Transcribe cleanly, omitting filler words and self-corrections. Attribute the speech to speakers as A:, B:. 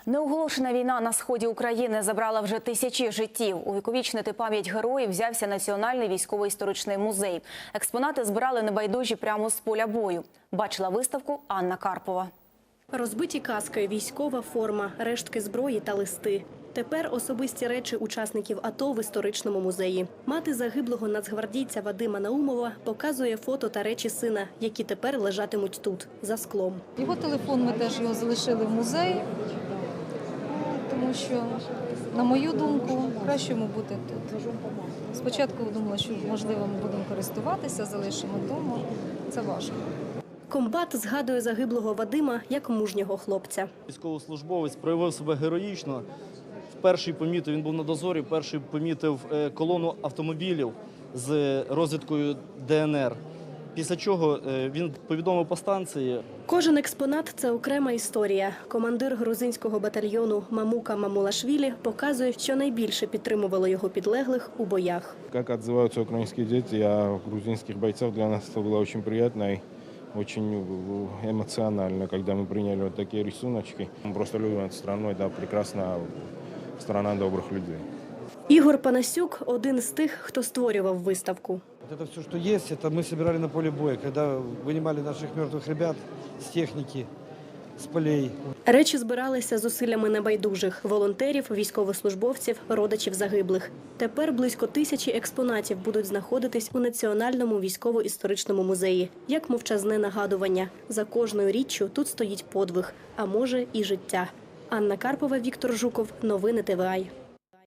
A: Неоголошена війна на сході України забрала вже тисячі життів. Увіковічнити пам'ять героїв взявся Національний військово-історичний музей. Експонати збирали небайдужі прямо з поля бою. Бачила виставку Анна Карпова.
B: Розбиті каски, військова форма, рештки зброї та листи. Тепер особисті речі учасників АТО в історичному музеї. Мати загиблого нацгвардійця Вадима Наумова показує фото та речі сина, які тепер лежатимуть тут, за склом.
C: Його телефон, ми теж його залишили в музеї, тому що, на мою думку, краще йому бути тут. Спочатку думала, що, можливо, ми будемо користуватися, залишимо вдома. Це важко.
B: Комбат згадує загиблого Вадима як мужнього хлопця.
D: Військовослужбовець проявив себе героїчно. Перший помітив, він був на дозорі, перший помітив колону автомобілів з розвідкою ДНР. Після чого він повідомив по станції.
B: Кожен експонат – це окрема історія. Командир грузинського батальйону Мамука Мамулашвілі показує, що найбільше підтримувало його підлеглих у боях.
E: Як відзиваються українські діти, а грузинських бойців для нас це було дуже приємно і дуже емоціонально, коли ми прийняли такі рисунки. Ми просто любимо цю країну, це прекрасна страна добрих людей.
B: Ігор Панасюк – один з тих, хто створював виставку.
F: Это все, что есть, это мы собирали на поле боя, когда вынимали наших мертвых ребят с техники, с полей.
B: Речі збиралися зусиллями небайдужих – волонтерів, військовослужбовців, родичів загиблих. Тепер близько 1000 експонатів будуть знаходитись у Національному військово-історичному музеї. Як мовчазне нагадування – за кожною річчю тут стоїть подвиг, а може і життя. Анна Карпова, Віктор Жуков. Новини ТВА.